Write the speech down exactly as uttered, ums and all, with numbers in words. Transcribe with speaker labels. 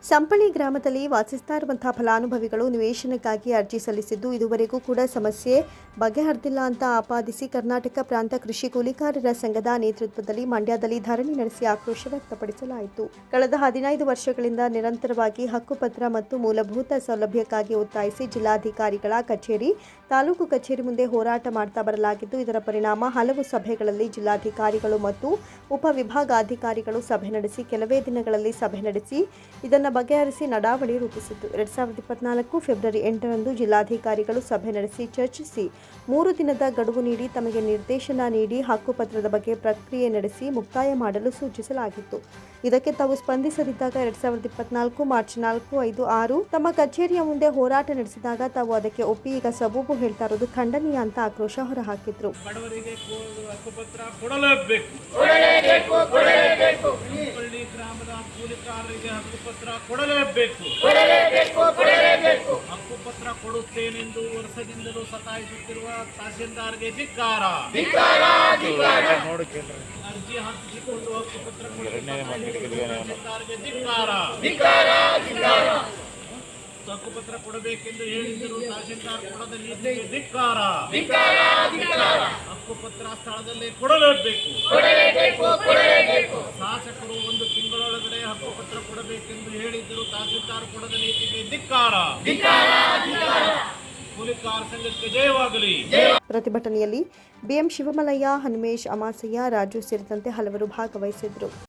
Speaker 1: ಸಂಪಳಿ ಗ್ರಾಮದಲ್ಲಿ ವಾಸಿಸ್ತಾ ಇರುವಂತಹ ಫಲಾನುಭವಿಗಳು ನಿವೇಶನಕ್ಕಾಗಿ ಅರ್ಜಿ ಸಲ್ಲಿಸಿದ್ದು ಇದುವರೆಗೂ ಕೂಡ ಸಮಸ್ಯೆ ಬಗೆಹರಿದಿಲ್ಲ ಅಂತ ಆಪಾದಿಸಿ ಕರ್ನಾಟಕ ಪ್ರಾಂತ ಕೃಷಿ ಕೂಲಿಕಾರರ ಸಂಘದ ನೇತೃತ್ವದಲ್ಲಿ ಮಂಡ್ಯದಲ್ಲಿ ಧರಣಿ ನಡೆಸಿ ಆಕ್ರೋಶ ವ್ಯಕ್ತಪಡಿಸಲಾಯಿತು. ಕಳೆದ ಹದಿನೈದು ವರ್ಷಗಳಿಂದ ನಿರಂತರವಾಗಿ ಹಕ್ಕುಪತ್ರ ಮತ್ತು ಮೂಲಭೂತ ಸೌಲಭ್ಯಕ್ಕಾಗಿ ಒತ್ತಾಯಿಸಿ ಜಿಲ್ಲಾಧಿಕಾರಿಗಳ ಕಚೇರಿ, ತಾಲೂಕು ಕಚೇರಿ ಮುಂದೆ ಹೋರಾಟ ಮಾಡ್ತಾ ಬರಲಾಗಿದ್ದು, ಇದರ ಪರಿಣಾಮ ಹಲವು ಸಭೆಗಳಲ್ಲಿ ಜಿಲ್ಲಾಧಿಕಾರಿಗಳು ಮತ್ತು ಉಪವಿಭಾಗಾಧಿಕಾರಿಗಳು ಸಭೆ ನಡೆಸಿ ಕೆಲವೇ ದಿನಗಳಲ್ಲಿ ಸಭೆ ನಡೆಸಿ ಇದನ್ನು ಬಗೆಹರಿಸಿ ನಡಾವಳಿ ರೂಪಿಸಿತು. ಎರಡ್ ಸಾವಿರದ ಇಪ್ಪತ್ನಾಲ್ಕು ಫೆಬ್ರವರಿ ಎಂಟರಂದು ಜಿಲ್ಲಾಧಿಕಾರಿಗಳು ಸಭೆ ನಡೆಸಿ ಚರ್ಚಿಸಿ ಮೂರು ದಿನದ ಗಡುವು ನೀಡಿ ತಮಗೆ ನಿರ್ದೇಶನ ನೀಡಿ ಹಕ್ಕುಪತ್ರದ ಬಗ್ಗೆ ಪ್ರಕ್ರಿಯೆ ನಡೆಸಿ ಮುಕ್ತಾಯ ಮಾಡಲು ಸೂಚಿಸಲಾಗಿತ್ತು. ಇದಕ್ಕೆ ತಾವು ಸ್ಪಂದಿಸದಿದ್ದಾಗ ಎರಡ್ ಸಾವಿರದ ಇಪ್ಪತ್ನಾಲ್ಕು ಮಾರ್ಚ್ ನಾಲ್ಕು ಐದು ಆರು ತಮ್ಮ ಕಚೇರಿಯ ಮುಂದೆ ಹೋರಾಟ ನಡೆಸಿದಾಗ ತಾವು ಅದಕ್ಕೆ ಒಪ್ಪಿ ಈಗ ಸಬೂಬು ಹೇಳ್ತಾ ಇರೋದು ಖಂಡನೀಯ ಅಂತ ಆಕ್ರೋಶ ಹೊರಹಾಕಿದ್ರು.
Speaker 2: ಕೊಡಲೇಬೇಕು ಹಕ್ಕುಪತ್ರ ಕೊಡುತ್ತೇನೆಂದು ವರ್ಷದಿಂದಲೂ ಸತಾಯಿಸುತ್ತಿರುವ ತಹಸೀಲ್ದಾರ್ಗೆ ಧಿಕ್ಕಾರ. ಅರ್ಜಿ ಹಾಕಿಸಿಕೊಂಡು ಹಕ್ಕುಪತ್ರ ತಹಸೀಲ್ದಾರ್ಗೆ ಧಿಕ್ಕಾರ. ಹಕ್ಕುಪತ್ರ ಕೊಡಬೇಕೆಂದು ಹೇಳಿದ್ದರು ತಹಸೀಲ್ದಾರ್ ಕೊಡದ ನೀತಿಗೆ ಧಿಕ್ಕಾರ. ಹಕ್ಕುಪತ್ರ ಸ್ಥಳದಲ್ಲಿ ಕೊಡಲೇಬೇಕು. ಶಾಸಕರು ಒಂದು ತಿಂಗಳೊಳಗಡೆ ಹಕ್ಕುಪತ್ರ ಕೊಡಬೇಕೆಂದು ಹೇಳಿದ್ದರು ತಹಸೀಲ್ದಾರ್ ಕೊಡದ ನೀತಿಗೆ ಧಿಕ್ಕಾರ. ಕೂಲಿಕಾರ ಸಂಘಕ್ಕೆ ಜಯವಾಗಲಿ.
Speaker 1: ಪ್ರತಿಭಟನೆಯಲ್ಲಿ ಬಿಎಂ ಶಿವಮಲಯ್ಯ, ಹನುಮೇಶ್, ಅಮಾಸಯ್ಯ, ರಾಜು ಸೇರಿದಂತೆ ಹಲವರು ಭಾಗವಹಿಸಿದ್ರು.